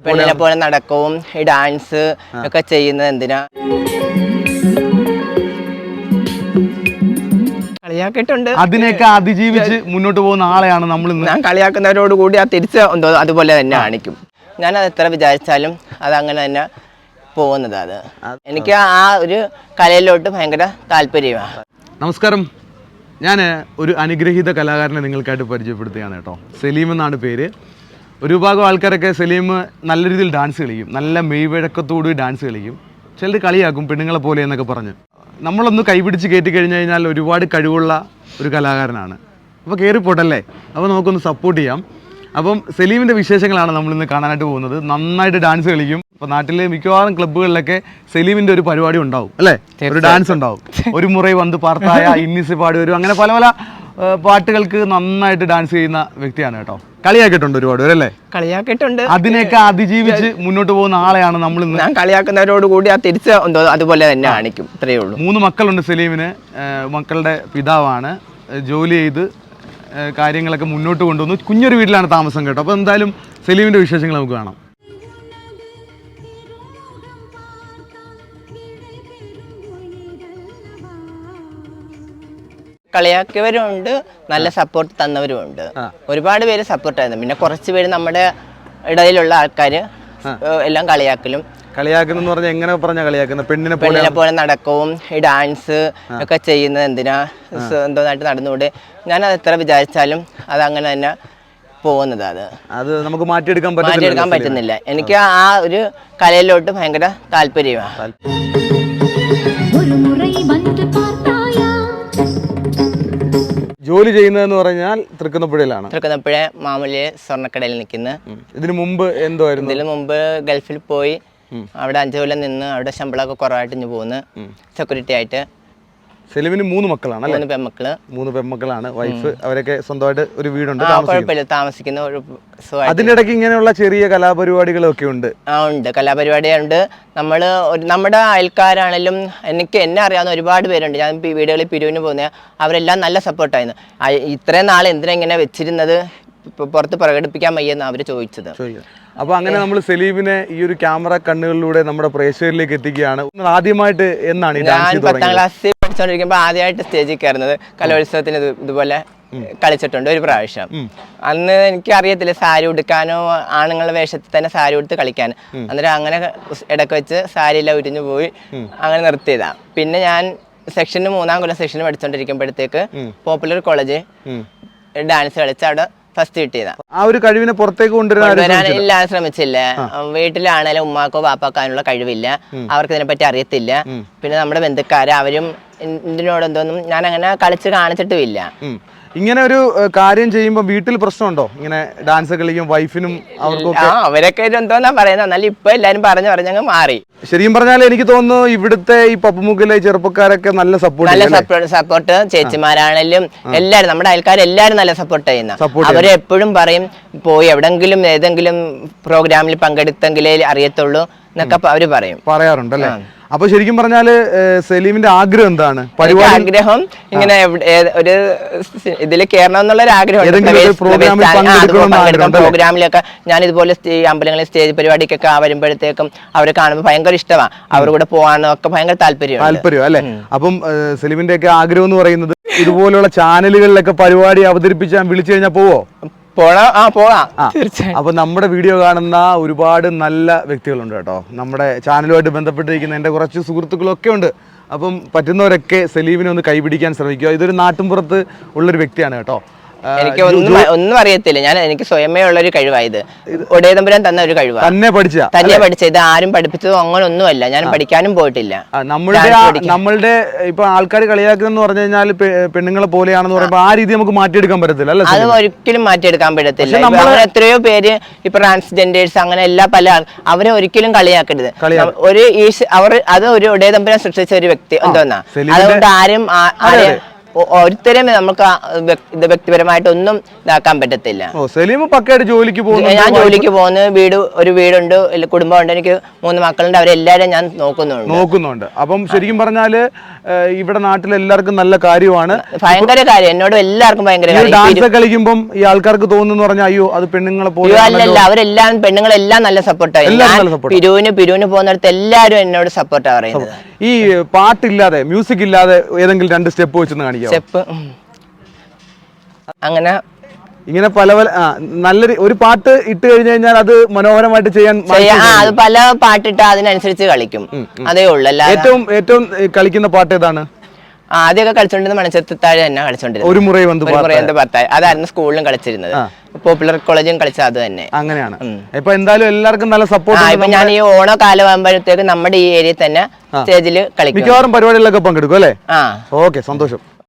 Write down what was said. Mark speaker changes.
Speaker 1: പെണ്ണിനെ പോലെ നടക്കവും ഈ ഡാൻസ് ഒക്കെ ചെയ്യുന്നത് എന്തിനാ? കളിയാക്കിയിട്ടുണ്ട്.
Speaker 2: അതിനെയൊക്കെ അതിജീവിച്ച് മുന്നോട്ട് പോകുന്ന ആളെയാണ് നമ്മൾ.
Speaker 1: ഞാൻ കളിയാക്കുന്നവരോട് കൂടി ആ തിരിച്ച് എന്തോ അതുപോലെ തന്നെ കാണിക്കും. ഞാൻ അത് എത്ര വിചാരിച്ചാലും അത് അങ്ങനെ തന്നെ പോകുന്നത്. എനിക്ക് ആ ഒരു കലയിലോട്ട് ഭയങ്കര താല്പര്യമാണ്.
Speaker 2: നമസ്കാരം, ഞാൻ ഒരു അനുഗ്രഹീത കലാകാരനെ നിങ്ങൾക്കായിട്ട് പരിചയപ്പെടുത്തുകയാണ് കേട്ടോ. സലീം എന്നാണ് പേര്. ഒരു വിഭാഗം ആൾക്കാരൊക്കെ സലീം നല്ല രീതിയിൽ ഡാൻസ് കളിക്കും, നല്ല മെയ്വഴക്കത്തോട് ഡാൻസ് കളിക്കും. ചിലർ കളിയാക്കും പെണ്ണുങ്ങളെ പോലെ എന്നൊക്കെ പറഞ്ഞ്. നമ്മളൊന്ന് കൈപിടിച്ച് കയറ്റി കഴിഞ്ഞ് കഴിഞ്ഞാൽ ഒരുപാട് കഴിവുള്ള ഒരു കലാകാരനാണ്. അപ്പോൾ കയറിപ്പോട്ടല്ലേ, അപ്പോൾ നമുക്കൊന്ന് സപ്പോർട്ട് ചെയ്യാം. അപ്പം സലീമിൻ്റെ വിശേഷങ്ങളാണ് നമ്മളിന്ന് കാണാനായിട്ട് പോകുന്നത്. നന്നായിട്ട് ഡാൻസ് കളിക്കും. ഇപ്പോൾ നാട്ടിലെ മിക്കവാറും ക്ലബ്ബുകളിലൊക്കെ സലീമിൻ്റെ ഒരു പരിപാടി ഉണ്ടാവും അല്ലേ, ഒരു ഡാൻസ് ഉണ്ടാവും. ഒരു മുറൈ വന്ന് പാർത്തായ, ഇന്നിസ് പാടി വരും, അങ്ങനെ പല പല പാട്ടുകൾക്ക് നന്നായിട്ട് ഡാൻസ് ചെയ്യുന്ന വ്യക്തിയാണ് കേട്ടോ. കളിയാക്കിയിട്ടുണ്ട് ഒരുപാട് പേരല്ലേ? കളിയാക്കിയിട്ടുണ്ട്. അതിനെയൊക്കെ അതിജീവിച്ച് മുന്നോട്ട് പോകുന്ന ആളെയാണ് നമ്മൾ.
Speaker 1: ഞാൻ കളിയാക്കുന്നവരോട് കൂടി ആ തിരിച്ച് എന്തോ അതുപോലെ തന്നെ കാണിക്കും. ഇത്രയേ ഉള്ളൂ.
Speaker 2: 3 മക്കളുണ്ട് സലീമിന്. മക്കളുടെ പിതാവാണ്. ജോലി ചെയ്ത് കാര്യങ്ങളൊക്കെ മുന്നോട്ട് കൊണ്ടുവന്നു. കുഞ്ഞൊരു വീട്ടിലാണ് താമസം കേട്ടോ. അപ്പോൾ എന്തായാലും സലീമിൻ്റെ വിശേഷങ്ങൾ നമുക്ക് കാണാം.
Speaker 1: കളിയാക്കിയവരുണ്ട്, നല്ല സപ്പോർട്ട് തന്നവരുമുണ്ട്. ഒരുപാട് പേര് സപ്പോർട്ടായിരുന്നു. പിന്നെ കുറച്ച് പേര് നമ്മുടെ ഇടയിലുള്ള ആൾക്കാർ എല്ലാം കളിയാക്കലും
Speaker 2: പറഞ്ഞാൽ എങ്ങനെ പറഞ്ഞ കളിയാക്കുന്ന പെണ്ണിനെ
Speaker 1: പോലെ നടക്കവും ഈ ഡാൻസ് ഒക്കെ ചെയ്യുന്നത് എന്തിനാ, എന്തോന്നായിട്ട് നടന്നുകൂടെ? ഞാൻ അത് എത്ര വിചാരിച്ചാലും അത് അങ്ങനെ തന്നെ പോകുന്നത്.
Speaker 2: അത് നമുക്ക് മാറ്റിയെടുക്കാൻ
Speaker 1: പറ്റുന്നില്ല. എനിക്ക് ആ ഒരു കലയിലോട്ട് ഭയങ്കര താല്പര്യമാണ്.
Speaker 2: ജോലി ചെയ്യുന്നതെന്ന് പറഞ്ഞാൽ തൃക്കുന്നപ്പുഴയിലാണ്.
Speaker 1: തൃക്കുന്നപ്പുഴ മാമൂലി സ്വർണ്ണക്കടയിൽ നിൽക്കുന്നത്.
Speaker 2: ഇതിനു മുമ്പ് എന്തായിരുന്നു?
Speaker 1: ഇതിനു മുമ്പ് ഗൾഫിൽ പോയി അവിടെ 5 കൊല്ലം നിന്ന് അവിടെ ശമ്പളമൊക്കെ കുറവായിട്ട് ഇഞ്ഞ് പോകുന്നു സെക്യൂരിറ്റി ആയിട്ട്.
Speaker 2: സലീമിന് 3 മക്കളാണ് അല്ലേ? 3 പെൺമക്കളാണ്. വൈഫ് അവരൊക്കെ സ്വന്തമായിട്ട് ഒരു വീടുണ്ട്,
Speaker 1: താമസിക്കുന്ന.
Speaker 2: അതിന്റെ ഇടയ്ക്ക് ഇങ്ങനെയുള്ള ചെറിയ കലാപരിപാടികളൊക്കെ ഉണ്ട്.
Speaker 1: ഉണ്ട്, കലാപരിപാടിയുണ്ട്. നമ്മുടെ അയൽക്കാരാണെങ്കിലും എന്നെ അറിയാവുന്ന ഒരുപാട് പേരുണ്ട്. ഞാൻ വീടുകളിൽ പിരിവിന് പോകുന്ന അവരെല്ലാം നല്ല സപ്പോർട്ടായിരുന്നു. ഇത്രയും നാൾ എന്തിനാ ഇങ്ങനെ വെച്ചിരുന്നത്, പുറത്ത് പ്രകടിപ്പിക്കാൻ വയ്യെന്ന് അവർ ചോദിച്ചത്.
Speaker 2: അപ്പൊ അങ്ങനെ നമ്മൾ സലീമിനെ ഈ ഒരു ക്യാമറ കണ്ണുകളിലൂടെ നമ്മുടെ പ്രേക്ഷകരിലേക്ക് എത്തിക്കുകയാണ്. ആദ്യമായിട്ട് എന്നാണ്
Speaker 1: ഞാൻ 10ാം ക്ലാസ്സിൽ പഠിച്ചുകൊണ്ടിരിക്കുമ്പോൾ ആദ്യമായിട്ട് സ്റ്റേജിൽ കയറുന്നത് കലോത്സവത്തിന് ഇതുപോലെ കളിച്ചിട്ടുണ്ട് ഒരു പ്രാവശ്യം. അന്ന് എനിക്ക് അറിയത്തില്ല സാരി ഉടുക്കാനോ, ആണുങ്ങളുടെ വേഷത്തിൽ തന്നെ സാരി ഉടുത്ത് കളിക്കാൻ. അന്നേരം അങ്ങനെ ഇടയ്ക്ക് വെച്ച് സാരിയെല്ലാം ഉരിഞ്ഞു പോയി അങ്ങനെ നിർത്തിയതാ. പിന്നെ ഞാൻ സെക്ഷന് 3ാം കൊല്ലം സെക്ഷന് പഠിച്ചുകൊണ്ടിരിക്കുമ്പോഴത്തേക്ക് പോപ്പുലർ കോളേജ് ഡാൻസ് കളിച്ച് അവിടെ ഫസ്റ്റ് കിട്ടിയതാ.
Speaker 2: ആ ഒരു കഴിവിനെ പുറത്തേക്ക് കൊണ്ടുവരാനില്ല,
Speaker 1: ശ്രമിച്ചില്ല. വീട്ടിലാണേലും ഉമ്മാക്കോ പാപ്പാക്കാനുള്ള കഴിവില്ല, അവർക്ക് ഇതിനെപ്പറ്റി അറിയത്തില്ല. പിന്നെ നമ്മുടെ ബന്ധുക്കാര് അവരും ഇതിനോടെന്തോന്നും ഞാൻ അങ്ങനെ കളിച്ച് കാണിച്ചിട്ടുമില്ല.
Speaker 2: ഇങ്ങനെ ഒരു കാര്യം ചെയ്യുമ്പോൾ വീട്ടിൽ പ്രശ്നമുണ്ടോ? ഇങ്ങനെ ഡാൻസ് കളിക്കും വൈഫിനും അവർക്കൊക്കെ?
Speaker 1: അവരൊക്കെ എന്തോന്നാ പറയുന്നത്. എന്നാലും ഇപ്പൊ എല്ലാരും പറഞ്ഞങ്ങ് മാറി.
Speaker 2: ശരിക്കും പറഞ്ഞാൽ എനിക്ക് തോന്നുന്നു ഇവിടുത്തെ ഈ പപ്പുമുക്കിലെ ചെറുപ്പക്കാരൊക്കെ നല്ല
Speaker 1: സപ്പോർട്ട് ചേച്ചിമാരാണെങ്കിലും എല്ലാരും നമ്മുടെ അയൽക്കാരെല്ലാരും നല്ല സപ്പോർട്ട് ചെയ്യുന്ന. അവര് എപ്പോഴും പറയും പോയി എവിടെങ്കിലും ഏതെങ്കിലും പ്രോഗ്രാമിൽ പങ്കെടുത്തെങ്കിലേ അറിയത്തുള്ളൂ എന്നൊക്കെ അവര്
Speaker 2: പറയാറുണ്ടല്ലേ? അപ്പൊ ശരിക്കും പറഞ്ഞാല് സലീമിന്റെ ആഗ്രഹം എന്താണ്?
Speaker 1: ആഗ്രഹം ഇങ്ങനെ ഒരു ഇതിൽ കയറണം എന്നുള്ള ഒരു ആഗ്രഹം. പ്രോഗ്രാമിലൊക്കെ ഞാൻ ഇതുപോലെ അമ്പലങ്ങളിൽ സ്റ്റേജ് പരിപാടിക്കൊക്കെ വരുമ്പോഴത്തേക്കും അവരെ കാണുമ്പോൾ ഭയങ്കര ഇഷ്ടമാണ്. അവരുടെ കൂടെ പോകാനും ഒക്കെ ഭയങ്കര താല്പര്യം
Speaker 2: അല്ലെ? അപ്പം സലീമിന്റെ ഒക്കെ ആഗ്രഹം എന്ന് പറയുന്നത് ഇതുപോലുള്ള ചാനലുകളിലൊക്കെ പരിപാടി അവതരിപ്പിച്ചാൽ വിളിച്ചു കഴിഞ്ഞാൽ പോവോ? അപ്പൊ നമ്മുടെ വീഡിയോ കാണുന്ന ഒരുപാട് നല്ല വ്യക്തികളുണ്ട് കേട്ടോ. നമ്മുടെ ചാനലുമായിട്ട് ബന്ധപ്പെട്ടിരിക്കുന്ന എൻ്റെ കുറച്ച് സുഹൃത്തുക്കളൊക്കെ ഉണ്ട്. അപ്പം പറ്റുന്നവരൊക്കെ സലീമിനെ ഒന്ന് കൈപിടിക്കാൻ ശ്രമിക്കുക. ഇതൊരു നാട്ടിൻപുറത്ത് ഉള്ളൊരു വ്യക്തിയാണ് കേട്ടോ.
Speaker 1: എനിക്ക് ഒന്നും അറിയത്തില്ല. എനിക്ക് സ്വയമേ ഉള്ളൊരു കഴിവായത്. ഒടേതമ്പുരാൻ തന്ന ഒരു കഴിവാണ്. തന്നെ പഠിച്ച ഇത് ആരും പഠിപ്പിച്ചതോ അങ്ങനെ ഒന്നുമല്ല. ഞാൻ പഠിക്കാനും പോയിട്ടില്ല.
Speaker 2: നമ്മളുടെ ഇപ്പൊ ആൾക്കാർ കളിയാക്കുന്ന പറഞ്ഞു കഴിഞ്ഞാൽ പെണ്ണുങ്ങളെ പോലെയാണെന്ന് പറയുമ്പോൾ ആ രീതി നമുക്ക് മാറ്റിയെടുക്കാൻ പറ്റത്തില്ല അല്ലേ?
Speaker 1: അത് ഒരിക്കലും മാറ്റിയെടുക്കാൻ പറ്റത്തില്ല. എത്രയോ പേര് ഇപ്പൊ ട്രാൻസ്ജെൻഡേഴ്സ് അങ്ങനെ എല്ലാ അവരെ ഒരിക്കലും കളിയാക്കരുത്. അത് ഒരു ഒടേതമ്പുരാൻ സൃഷ്ടിച്ച ഒരു വ്യക്തി എന്തോന്നാ. അതുകൊണ്ട് ആരും ഒരുത്തരും നമുക്ക് ഇത് വ്യക്തിപരമായിട്ടൊന്നും ഇതാക്കാൻ പറ്റത്തില്ല.
Speaker 2: സലീം പക്കയായിട്ട് ജോലിക്ക് പോകുന്നു.
Speaker 1: ഞാൻ ജോലിക്ക് പോകുന്നു, ഒരു വീടുണ്ട്, കുടുംബമുണ്ട്, എനിക്ക് 3 മക്കളുണ്ട്, അവരെല്ലാരും ഞാൻ നോക്കുന്നുണ്ട്.
Speaker 2: അപ്പം ശരിക്കും പറഞ്ഞാല് ഇവിടെ നാട്ടിൽ എല്ലാവർക്കും നല്ല കാര്യമാണ്,
Speaker 1: ഭയങ്കര കാര്യം, എന്നോട് എല്ലാവർക്കും ഭയങ്കര കാര്യം.
Speaker 2: ഡാൻസ് കളിക്കുമ്പോൾ ഈ ആൾക്കാർക്ക് തോന്നുന്നു പറഞ്ഞാൽ അയ്യോ അത് പെണ്ണുങ്ങളെ പോലെ
Speaker 1: അല്ലല്ല, അവരെല്ലാം പെണ്ണുങ്ങളെല്ലാം നല്ല സപ്പോർട്ടായി. പിരുവിന് പോകുന്നിടത്ത് എല്ലാരും എന്നോട് സപ്പോർട്ടാ പറയുന്നത്.
Speaker 2: ഈ പാട്ടില്ലാതെ മ്യൂസിക് ഇല്ലാതെ ഏതെങ്കിലും 2 സ്റ്റെപ്പ് വെച്ചൊന്ന് കാണിക്കാം.
Speaker 1: സ്റ്റെപ്പ് അങ്ങനെ
Speaker 2: ഇങ്ങനെ പല നല്ലൊരു ഒരു പാട്ട് ഇട്ട് കഴിഞ്ഞു കഴിഞ്ഞാൽ അത് മനോഹരമായിട്ട് ചെയ്യാൻ
Speaker 1: അത് പല പാട്ടിട്ട് അതിനനുസരിച്ച് കളിക്കും, അതേ ഉള്ളു.
Speaker 2: ഏറ്റവും കളിക്കുന്ന പാട്ട് ഏതാണ്?
Speaker 1: ആദ്യമൊക്കെ കളിച്ചോണ്ടിരുന്ന മണിച്ചത്താഴ് തന്നെ കളിച്ചോണ്ടിരുന്നത്.
Speaker 2: ഒരു മുറൈ വന്ന്
Speaker 1: പത്തായി, അതായിരുന്നു സ്കൂളിലും കളിച്ചിരുന്നത്. പോപ്പുലർ കോളേജും കളിച്ചത് അത് തന്നെ.
Speaker 2: അങ്ങനെയാണ്. ഇപ്പൊ എന്തായാലും എല്ലാവർക്കും നല്ല സപ്പോർട്ട്.
Speaker 1: ഇപ്പൊ ഞാൻ ഈ ഓണ കാലമാകുമ്പോഴത്തേക്ക് നമ്മുടെ ഈ ഏരിയയിൽ തന്നെ സ്റ്റേജിൽ കളിക്കും.
Speaker 2: മിക്കവാറും പരിപാടികളിലൊക്കെ പങ്കെടുക്കും അല്ലേ? ഓക്കെ, സന്തോഷം.